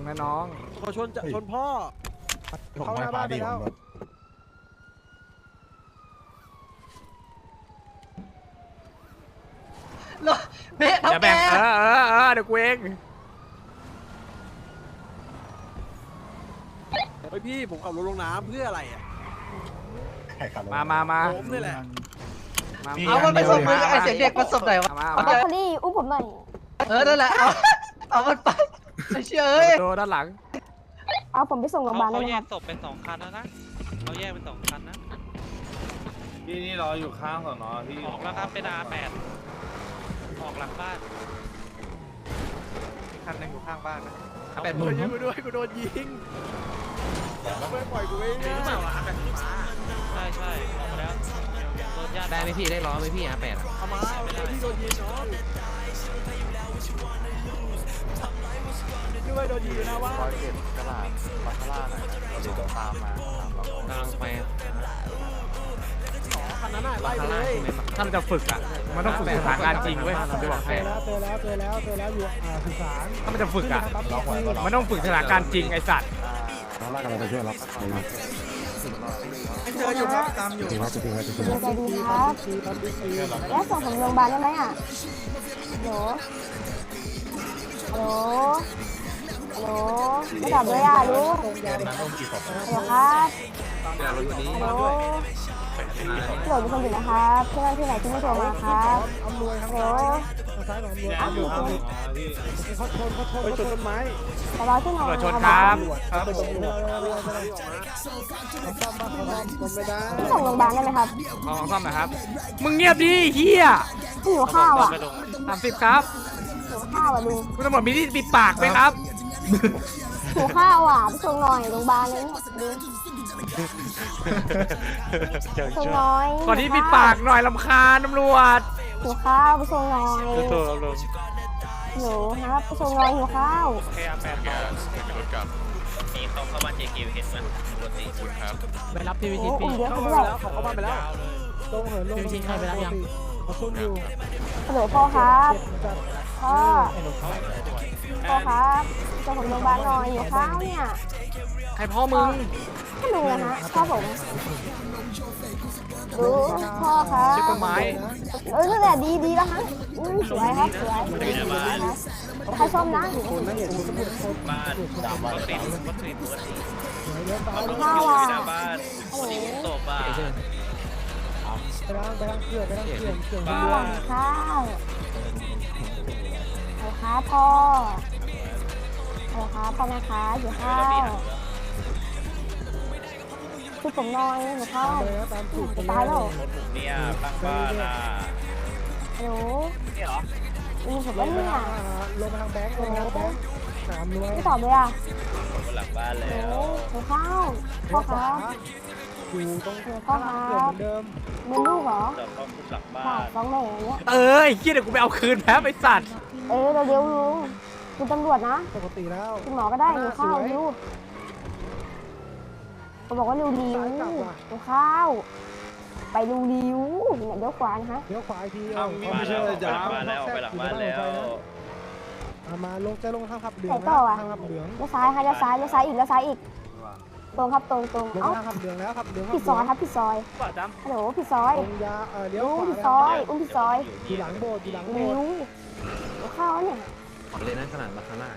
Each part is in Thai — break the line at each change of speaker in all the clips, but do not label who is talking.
นะน้อง
เขาชนพ่อเข้าหน้าบ้านไปแล้ว
เบ๊ะ
อย่าแบ่งเดี๋ยวกูเอง
เฮ้ยพี่ผมขับรถลงน้ำเพื่ออะไรอ่ะ
มา
ผมนี่แหละ
เอามันไปส่งมือไอเสียงเด็กมันส่งไหนวะ
มา
บรอกโคลี่อุ้มผมหน่อย
นั่นแหละเอามันไปไม่เชื่อเอ้ย
โดนด้านหลัง
เอาผมไปส่งโรงพยาบาลได้
เขา
ไหม
แย
ครั
ก
บ
ศพเป็น2 คันแล้วนะเขาแยกเป็น2 คันนะ
พี่นี่รออยู่ข้างสอนอพี่
ออกแล้วครับเป็น R8 ออกหลังบ้านคันนึงอยู่ข้างบ้านนะ
กูยิงกูด้วยกูโดนยิงไม่ปล่อยกูไม่ได้
ใช่ออกมาแล้วโดนญาติ
ได้ไหมพี่ได้ล้อไหมพี่R8
เอามาพี่โดนยิงน้องด้วยโดนยิงอยู่นะว่า
กำลังไป
คันนั้นน่ะไล่ไปเลย
ถ้าเราจะฝึกอ่ะมันต้องฝึกสถานการณ์จริงเว้ยผมจะบอกให้
เจอแล้วอยู่สุสาน
ถ้ามันจะฝึกอ่ะมันต้องฝึกสถานการณ์จริงไอ้สัตว์
เจออยู่ครับตามอยู่
ใจดีครับแล้วส่งผมโรงพยาบาลได้ไหมอ่ะฮัลโหลไม่ตอบเลยอ่ะลูกฮัลโหลครับฮัลโหลมีคนอยู่นะครับที่ไหนที่ไม่โทรมาครับฮัลโหล
ซ้ายของอำนวยเขาชนต้นไม้
ตลอดที่ไหน
ตำรวจชนครับ
ไปตรงนี้ซ่อมบ้านเขาไม่ได้
ส่งโรงพยาบาลได้ไหมครับ
ของซ่อมหนะครับมึงเงียบดิเฮีย
หิวข้าวอ่ะ
30ครับ
หิวข้าวอ่ะลุง
คุณตำรวจมีที่ปิดปากไหมครับ
หิวข้าวอ่ะไปส่งหน่อยโรงพยาบาลเลยเนี่ยส่งหน่อย
ก่อนที่ปิดปากหน่อยลำคาญตำรวจ
หิวข้าวไปส่งหน่อย
ตัวลง
หนูครับไปส่งหน่อยหิวข้าว
แค่8ต่อ
นี่เขาเข้าบ้าน JQ เห็นมันปกติคุณครับ
ไปรับพี่วิ
โอ้
ชิต
อุ้
พี่
มเยอะ
เข้า
ไป
มา
ด้วย
แล้วเขาเข้ามาไปแล้วตรงเหินลง
พี่วิชิตให้ไปรับยัง
เขาซุ่มอยู่
ฮัลโหลพ่อครับพ่อครับส่งผมโรงพยาบาลหน่อยหิวข้าวเนี่ย
ใครพ่อมึง
ให้ลุงนะฮะพ่อผมดูพ่อครับ
เช็คต้นไม้
นั่นแหละดีแล้วฮะสวยครับสวยใครชมนะ
บ้านรถติด
ข้าวอ่ะ
หน้าบ้านนี่ผมตบอ่ะ
ไปล้างเกลือ
ข้าวหลังข้าวเอาครับพ่อเอาครับพ่อนะคะหิวข้าวคือผมนอนหิวข้าวจะตายแล้ว
เนี่ยตั้งบ้านอ่ะ
ฮัลโหล
นี่เหรอ
มีผมแล้วเนี่ย
ลงมาทางแบงค์สามรวย
ไม่ตอบเลยอ่ะ
ผมหลังบ้าน
โอ้
แล้ว
หิวข้าวพ่อครับ
อยู่ตรง
หิวข้าวค
เกลื
รั
อบ เหมือนเดิม
เป็นลูกเหรอ
จอดต้องหลังบ้า
ฝาก
น
ฟ้องแม่อย่างเงี้ย
ไอ้เฮียเดี๋ยวกูไปเอาคืนแพ้ไอ้สัตว์
เร็วลุงคุณตำรวจนะ
ปกติแล้ว
คุณหมอก็ได้หิวข้าวหิวเขาบอกว่าเร็วหิวข้าวไปเร็วเนี่ยเดี๋ยวขวานะฮะ
เดี๋ยวขวาอีกที
มาแล้วไปหลังบ้านแล้วไปหลังบ้านแล้ว
มาลงจะลงทางขับเหลือง
ไหนต่ออ่ะ
ทางขับเหลือง
เลี้ยวซ้ายค่ะเลี้ยวซ้ายอีกตรงครับตรง
ลง
เอ้า
ทางขับเหลืองแล้วขับเหลือง
ผิดซอยครับผิดซอยฮัลโหลผิดซอย
ตรงยาเดี๋ยว
ลุง
ขวา
ผิดซอยผิดซอย
อยู่หลังโบสถ์อยู่หลังโบ
หิ
สถ์
วหิวข้าวเนี่ย
ออกเลยนะขนาดบาคาร่า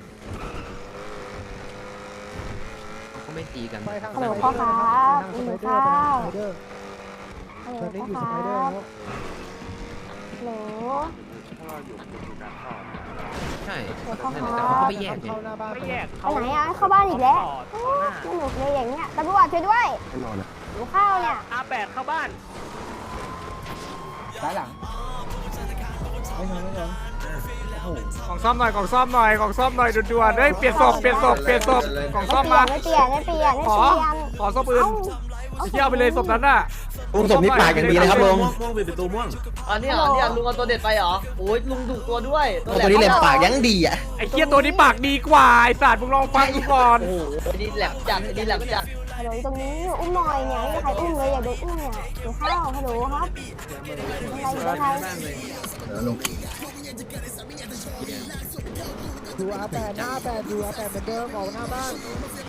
เขาก็ไม่ตีกัน
ไปทาง
ฮัลโหลพ่อครับหิวข้าว
สไปเดอร์
ฮัลโหล
ตอนนี้
พ่อ
อยู่
ค
สไปเดอร์
รับ
แล้ว
ใช่
ฮัลโหลพ่อค
แต่
รั
เขาก็
บ
ไม่แยกเลย
เข้าหน้าบ้าน
ไม่แยก
ไปไหนอ่ะเข้าบ้านอีกแล้วสนุกเลยอย่างเงี้ยตำรวจช่วยด้วยหิวข้าวเนี่ย
R8 เข้าบ้าน
ซ้ายหลังไม่ทันไม่ทัน
กล่องซ่อมหน่อยด่วนๆเฮ้ยเปลี่ยนศพกล่องซ่อมมา
ไม่เปลี่ยน
ขอศพอื่นเที่ยวไปเลยศพนั้นน่ะ
ลุงศพนี่ปากอย่างดีเลยครับลุง
อันนี้เหรอเนี่ยลุงเอาตัวเด็ดไปเหรอโอ้ยลุงดุตัวด้วย
ตัวนี้เลยปากยังดีอ่ะ
ไอ้เคียตัวนี้ปากดีกว่าไอ้สัตว์มึงลองฟังดูก่อน
โอ้โหดีแหลมจัดดีแหลมจัด
ฮัลโหลตรงนี้อุ้มหน่อยเนี่ยไม่มีใครอุ้มเลยอยากโดนอุ้มเนี่ยหิวข้าวฮัลโหลครับอะไร
ดูอาแปดหน้าแปดดูอาแปดเหมือนเดิมออกหน้าบ้าน